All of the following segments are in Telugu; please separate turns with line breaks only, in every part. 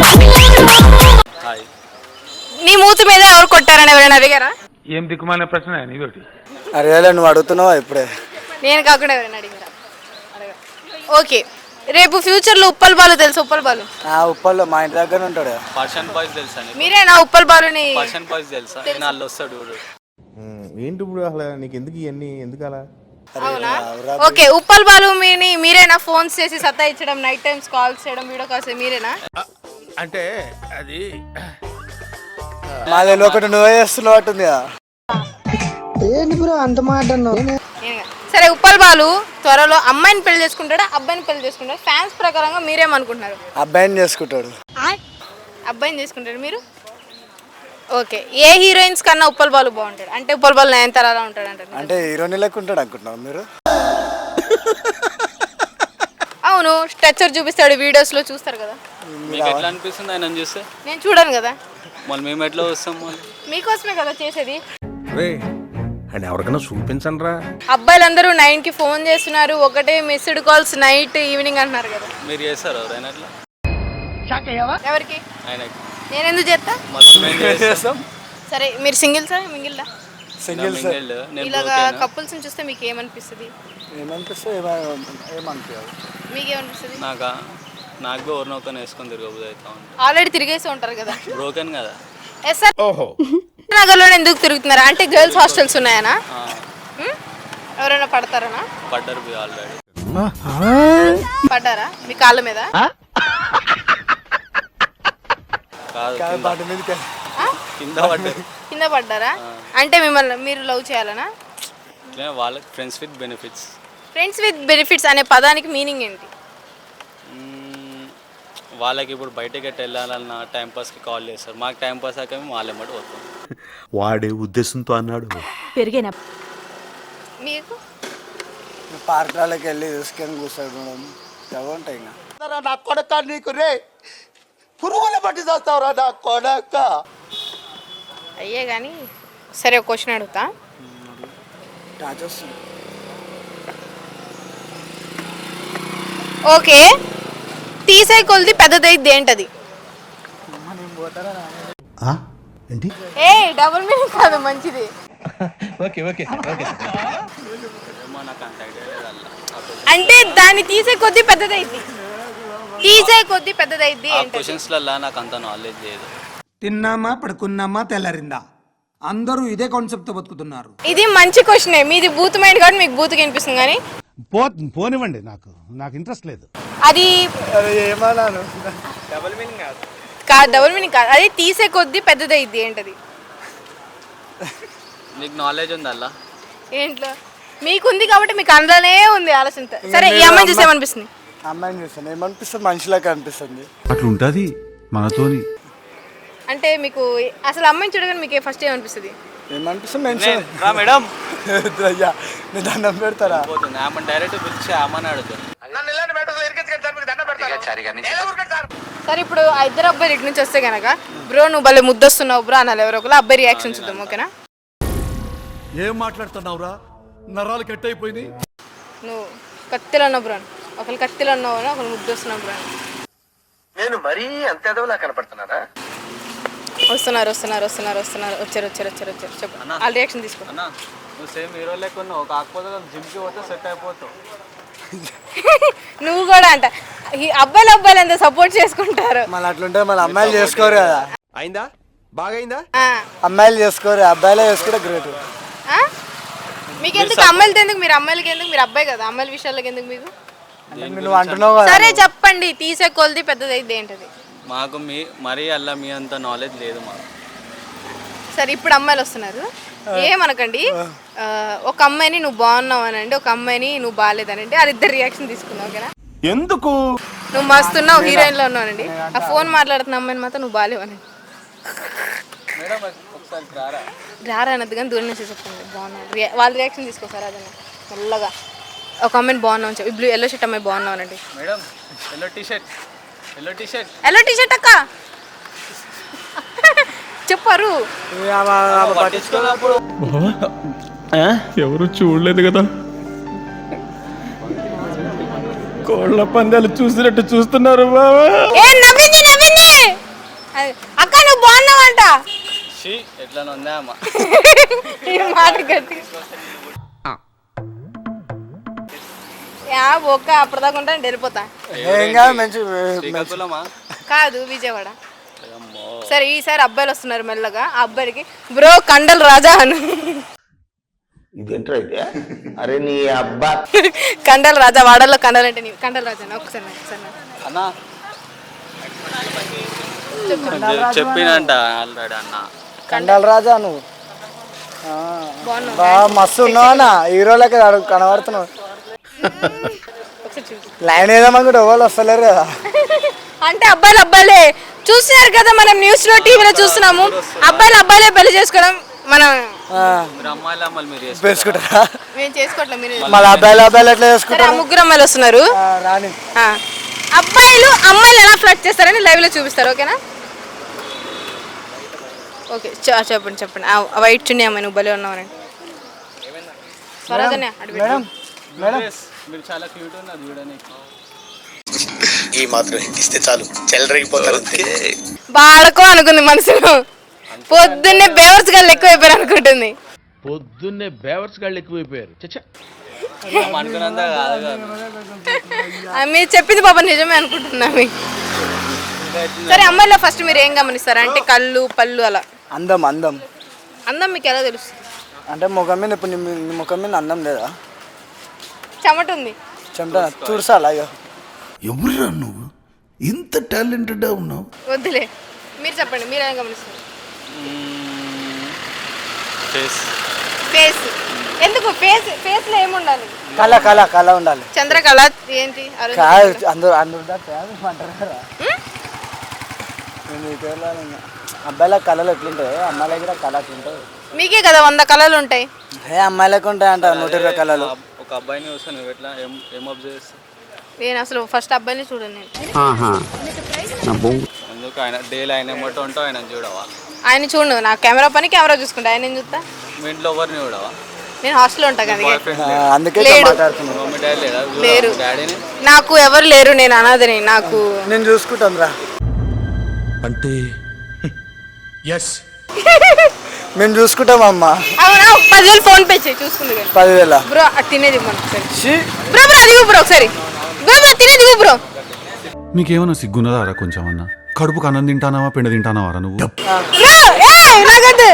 నీ మూతి మీద ఎవరు కొట్టారని ఎవరైనా అడిగారా?
ఏం దిక్కుమాలిన ప్రశ్న ఇదొకటి.
అరే నువ్వు అడుగుతున్నావా ఇప్పుడే?
నేను కాకుండా ఎవరైనా అడిగారా? ఓకే, రేపు ఫ్యూచర్ లో ఉప్పల్ బాలు తెలుసు? ఉప్పల్ బాలు
ఉప్పల్లో మా ఇంటి దగ్గర ఉంటాడు.
పర్షన్ బాయ్స్ తెలుసా?
మీరేనా ఉప్పల్ బాలుని?
పర్షన్ బాయ్స్ తెలుసా? నాళ్ళు వస్తాడు.
ఏంటి ఇప్పుడు అసలు నీకు ఎందుకు ఇవన్నీ ఎందుకు అలా?
అవునా? ఓకే, ఉప్పల్ బాలు మీరేనా ఫోన్స్ చేసి సతాయించడం, నైట్ టైమ్స్ కాల్స్ చేయడం, వీడియో కాల్స్ మీరేనా?
అంటే అది
మాది ఒకటి నువ్వే చేస్తున్నావు అట్టుంది.
ఏంటి బ్రో అంత మాట అన్నావు?
సరే, ఉప్పల్ బాలు త్వరలో అమ్మాయిని పెళ్లి చేసుకుంటాడా, అబ్బాయిని పెళ్లి చేసుకుంటాడు? ఫ్యాన్స్ ప్రకారంగా మీరేమనుకుంటున్నారు?
అబ్బాయిని చేసుకుంటాడు.
అబ్బాయిని చేసుకుంటాడు మీరు? ఓకే, ఏ హీరోయిన్స్ కన్నా ఉప్పల్ బాలు బాగుంటాడు? అంటే ఉప్పల్ బాలు నయనతారలా ఉంటాడు అంటారు.
అంటే హీరోని లెక్క ఉంటాడు అనుకుంటున్నావు మీరు?
అవును, స్ట్రక్చర్ చూపిస్తాడు, వీడియోస్ లో చూస్తారు కదా.
మీకు ఎట్లా అనిపిస్తుంది ఆయన చూస్తే?
నేను చూడను కదా.
మళ్ళీ మేము ఎట్లా వస్తాం? మళ్ళీ
మీకోసమే కదా చేసేది.
అండ్ ఎవరికైనా చూపించండి రా.
అబ్బాయిలందరూ 9కి ఫోన్ చేస్తున్నారు, ఒకటే మిస్డ్ కాల్స్ నైట్ ఈవినింగ్ అంటున్నారు కదా.
మీరు చేస్తారు ఎవరైనా అట్లా?
ఎవరికి?
ఆయనకి.
నేను ఎందుకు చేస్తా? సరే, మీరు సింగిల్సా మింగిల్దా?
సింగిల్స్.
ఇలాగా కపుల్స్ చూస్తే మీకు ఏమనిపిస్తుంది? మీకేమనిపిస్తుంది?
నాకు ఎవరినొకరిని వేసుకొని తిరగబోదు అవుతా ఉంది.
ఆల్రెడీ తిరిగేసి ఉంటారు కదా.
బ్రోకెన్ కదా.
Yes sir. నగర్లో ఎందుకు తిరుగుతున్నారా? అంటే గర్ల్స్ హాస్టల్స్ ఉన్నాయనా? ఎవరైనా పడతారనా?
పడ్డారు ఆల్రెడీ.
పడ్డారా మీ కాళ్ళ మీద?
కింద పడ్డారు.
కింద పడ్డారా? అంటే మిమ్మల్ని మీరు లవ్ చేయాలనా?
వాళ్ళకి friends with benefits.
Friends with benefits అనే పదానికి మీనింగ్ ఏంటి?
వాళ్ళకి ఇప్పుడు బయటకి ఎట్లా వెళ్ళాలన్న టైంపాస్కి కాల్ చేస్తారు. మాకు టైంపాస్ అయ్యాక మేము వాళ్ళ ఎమ్మటి పోతాం.
వాడే ఉద్దేశంతో అన్నాడు.
పెరిగిన మీకు
పార్కులకి వెళ్ళి తీసుకొని కూర్చోవడం ఉంటాయి.
నా కొడక నీకు రే పురుగులు పట్టి చేస్తావురా నా కొడక.
అయ్యే కానీ సరే, ఒక క్వశ్చన్ అడుగుతా. ఓకే, తీసే కొలిది పెద్దదైద్ది ఏంటది?
ఏంటి?
ఏ డబుల్ మీనింగ్ కాదు, మంచిది. అంటే దాన్ని తీసే కొద్ది పెద్దదైద్ది. తీసే కొద్ది పెద్దదైద్ది ఏంటది?
క్వశ్చన్స్లలో నాకు అంత నాలెడ్జ్ లేదు.
తిన్నామా పడుకున్నామా తెల్లారిందా, అందరూ ఇదే కాన్సెప్ట్ తో బతుకుతున్నారు.
ఇది మంచి క్వశ్చనే. మీది బూత్ మైండ్ కాబట్టి మీకు బూత్కి అనిపిస్తుంది, కానీ
పోనివ్వండి, నాకు ఇంట్రెస్ట్ లేదు.
అది
ఏమన్నాను?
డబుల్ మీనింగ్ కాదు.
డబుల్ మీనింగ్ కాదు, అది తీసే కొద్ది పెద్దదైద్ది ఏంటది?
నీకు నాలెడ్జ్ ఉంది అలా?
ఏంట్లో మీకుంది కాబట్టి మీకు అందులోనే ఉంది ఆలోచన. సరే, ఈ అమ్మాయిని చూసి ఏమనిపిస్తుంది?
అమ్మాయిని చూస్తాను ఏమనిపిస్తుంది? మనిషిలాగా అనిపిస్తుంది.
అట్లుంటది మనతోని.
అంటే మీకు అసలు అమ్మాయిని చూడగానే మీకు ఫస్ట్ ఏమనిపిస్తుంది?
ఏమనిపిస్తుంది?
మేడం
నేను దండం పెడతారా?
డైరెక్ట్ పిలిచి అమ్మని అడుగుతాను.
సరే, ఇప్పుడు ఆ ఇద్దరు అబ్బాయిలు ఇటు నుంచి వస్తే కనుక, బ్రో నువ్వు భలే ముద్దొస్తున్నావు బ్రో అనాలి ఎవరో ఒకరు. అబ్బాయి రియాక్షన్ చూద్దాం, ఓకేనా?
ఏం మాట్లాడుతున్నావురా? నరాలు కట్ అయిపోయినాయి.
నువ్వు కత్తిలో ఉన్నావు బ్రో, ఒకరు కత్తిలో ఉన్నావు, ఒకరు ముద్దొస్తున్నావు బ్రో.
నేను మరీ అంత ఎదవలా కనపడుతున్నారా?
వస్తున్నారు వస్తున్నారు వస్తున్నారు వస్తున్నారు వచ్చారు వచ్చారు వచ్చారు వచ్చారు చెప్పు. ఆ రియాక్షన్ తీసుకో.
అన్న నువ్వు సేమ్ హీరో లెక్క ఉన్నావు, కాకపోతే జిమ్కి పోతే సెట్ అయిపోతావు.
నువ్వు కూడా అంట అబ్బాయిలు ఎంత సపోర్ట్ చేసుకుంటారు.
మళ్ళీ అట్లుంటే మళ్ళీ అమ్మాయిలు చేసుకోరు కదా.
అయిందా? బాగైందా?
అమ్మాయిలు చేసుకోరు, అబ్బాయిలే చేసుకుంటే గ్రేట్.
మీకు ఎందుకు అమ్మాయిలతో ఎందుకు? మీరు అమ్మాయిలకి ఎందుకు? మీరు అబ్బాయి కదా, అమ్మాయిల విషయాలకి ఎందుకు మీకు?
నువ్వు అంటున్నావు కదా.
సరే చెప్పండి, తీసే కొలిది పెద్దదైద్ది ఏంటది?
మాకు మరీ అలా మీ అంత నాలెడ్జ్ లేదు మాకు.
సరే, ఇప్పుడు అమ్మాయిలు వస్తున్నారు, ఏమనకండి. ఒక అమ్మాయిని నువ్వు బాగున్నావు అనండి, ఒక అమ్మాయిని నువ్వు బాగాలేదనండి, అది ఇద్దరు రియాక్షన్ తీసుకున్నావు, ఓకేనా?
ఎందుకు?
నువ్వు మస్తున్నావు, హీరోయిన్ లో ఉన్నావు, ఆ ఫోన్ మాట్లాడుతున్న అమ్మాయిని మాత్రం నువ్వు బాగాలేవనండి. రారా అన్నది కానీ దూరం నుంచి చెప్పండి బాగున్నావు. వాళ్ళ రియాక్షన్ తీసుకోసారు అదన్నా మెల్లగా. ఒక అమ్మాయిని బాగున్నావు అని చెప్పి, బ్లూ ఎల్లో షర్ట్ అమ్మాయి బాగున్నావు అనండి.
మేడం ఎల్లో టీ షర్ట్ అక్క చెప్పారు.
ఎవరు చూడలేదు కదా, కోళ్ళ పందాలు చూసినట్టు చూస్తున్నారు బాబా.
అక్క నువ్వు బాగున్నావంట.
షీ ఎట్లా ఉందా అమ్మ
ఈ మాట గట్టి ఒక్క అప్పటిదాకా ఉంటాను వెళ్ళిపోతా.
ఏం కాదు మంచి
శ్రీకాకుళమా
కాదు విజయవాడ.
అమ్మో
సరే ఈసారి అబ్బాయిలు వస్తున్నారు మెల్లగా. ఆ అబ్బాయికి బ్రో కండల్ రాజా అను.
ఇదేంటైతే అరే నీ అబ్బా
కండల్ రాజా వాడల్లో కండల్ అంటే కండల్ రాజా ఒకసారి
అన్నా చెప్పినంట ఆల్రెడీ అన్న
కండాల రాజా నువ్వు
బాగున్నావు
బాగా మస్తు ఉన్నావు అన్న హీరోలకి కనబడుతున్నావు.
ఒకసారి చూసి
లైన్ వేద్దామనుకుంటే ఎవరు వస్తలేరు కదా.
అంటే అబ్బాయిలే చూస్తున్నారు కదా, మనం న్యూస్ లో టీవీలో చూస్తున్నాము. అబ్బాయిలే పెళ్లి చేసుకోవడం మనం
మీరు అమ్మాయిలు అమ్మాయిలు మీరు
వేసుకుంటారా?
మేము చేసుకోవట్లేదు. మీరు
మళ్ళీ అబ్బాయిలు ఎట్లా
సరే, ఆ
వేసుకుంటారు?
ముగ్గురు అమ్మాయిలు వస్తున్నారు.
రాని
అబ్బాయిలు అమ్మాయిలు ఎలా ఫ్లర్ట్ చేస్తారని లైవ్ లో చూపిస్తారు. ఓకేనా? ఓకే చెప్పండి. ఆ వైట్ చున్నీ అమ్మాయి నువ్వు భలే ఉన్నావనండి. స్వరాజనే
మేడం మేడం
మీరు చాలా క్యూట్ ఉన్నారు చూడడానికి.
ఈ మాత్రం ఇస్తే చాలు చెల్లరగిపోతారు.
బాడకో అనుకుంది మనసులో. పొద్దున్నే బేవర్స్ గాళ్ళు ఎక్కువైపోయారు అనుకుంటుంది.
పొద్దున్నే బేవర్స్ గాళ్ళు ఎక్కువైపోయారు. చచ్చా
అనుకున్నంత కాదు కదా.
మీరు చెప్పింది పాప నిజమే అనుకుంటున్నా. సరే అమ్మాయిలో ఫస్ట్ మీరు ఏం గమనిస్తారు అంటే కళ్ళు పళ్ళు అలా?
అందం అందం
అందం మీకు ఎలా తెలుస్తుంది?
అంటే ముఖం మీద ఇప్పుడు నీ ముఖం మీద అందం లేదా?
చెమట ఉంది.
చెమట చూసాలా? అయ్యో
ఎవరురా నువ్వు ఇంత టాలెంటెడ్ ఉన్నావు?
వద్దులే మీరు చెప్పండి, మీరు ఏం గమనిస్తారు?
ఫేస్
ఫేస్ ఎందుకు? ఫేస్ లో ఏముండాలి?
కళ ఉండాలి.
చంద్రకళ ఏంటి? అరుంధతి
కాదు
కళ.
అందరూ అంటారు కదా. నేను ఇటీవల అబ్బాయిల కళలు ఎట్లుంటాయి, అమ్మాయిల కూడా కళ ఎట్లుంటాయి?
మీకే కదా 100 కళలు ఉంటాయి.
అమ్మాయిలకు ఉంటాయి అంట 120 కళలు.
ఒక అబ్బాయిని చూస్తే నువ్వు ఎట్లా ఏం అబ్జర్వ్ చేస్తావు?
నేను అసలు ఫస్ట్ అబ్బాయిని చూడండి.
ఎందుకు ఆయన డైలీ ఆయన ఏమంటూ ఉంటావు, ఆయన చూడవా?
ఆయన చూడు, నా కెమెరా పని కెమెరా చూసుకుంటా. ఆయన ఏం చూస్తా?
మీ ఇంట్లో ఎవరిని చూడవా?
నేను హాస్టల్లో ఉంటాను కదా.
అందుకే
లేడు.
మాట్లాడుతున్నాను.
మమ్మీ డాడీ లేదా?
లేరు.
డాడీని
నాకు ఎవరు లేరు, నేను అనాథని. నాకు
నేను చూసుకుంటాను రా.
అంటే ఎస్
మేము చూసుకుంటామమ్మా.
అవునా? 10,000 ఫోన్ పే చేయి చూసుకుంది కానీ.
10,000
బ్రో అది తినేది ఇవ్వండి ఒకసారి.
ఛీ,
బ్రో అది బ్రో ఒకసారి. బ్రో తినేది బ్రో.
మీకేమన్నా సిగ్గున్నదారా కొంచెం అన్న? కడుపుకు అన్నం తింటానావా పిండి తింటానావారా నువ్వు?
బ్రో నాగదు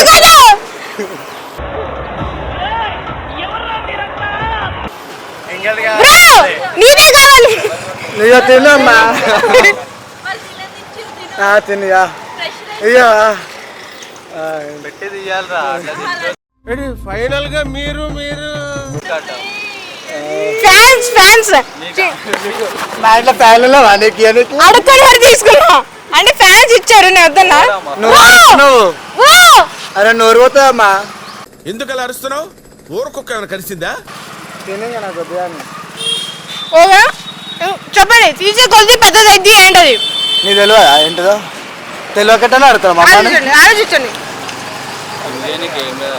బ్రో నీదే కావాలి.
నీయో తినమ్మా. తినియా అయ్యో
పెట్టేది ఇవ్వాలరా.
ఫైనల్ గా మీరు
ఫ్యాన్స్
మా ఇంట్లో ఫ్యాన్లో నీకు
అడుక్కొని మరి తీసుకున్నా అంటే ఫ్యాన్స్ ఇచ్చారు. నేను వద్దన్నా.
నువ్వు అరుస్తున్నావు.
ఓ
అరే నోరు పోతావమ్మా.
ఎందుకు అలా అరుస్తున్నావు? ఊరకొక్క ఏమైనా కలిసిందా?
తినే నాకు వద్దుగా.
ఓగా చెప్పండి. తీసే కొద్ది పెద్దదైద్ది ఏంటది?
నీ తెలియదా ఏంటిదో? తెలియకట్టనే అడుగుతావు మా
ఆలోచించండి.
దేనికి ఏం లేదా?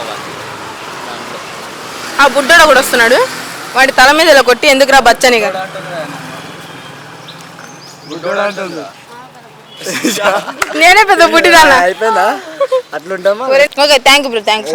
ఆ బుడ్డోడు కూడా వస్తున్నాడు. వాడి తల మీద ఇలా కొట్టి ఎందుకురా బచ్చనిగా. నేనే పెద్ద బుడ్డిదాన్నా.
అయిపోయిందా? అట్లుంటామా?
Okay thank you bro. Thanks.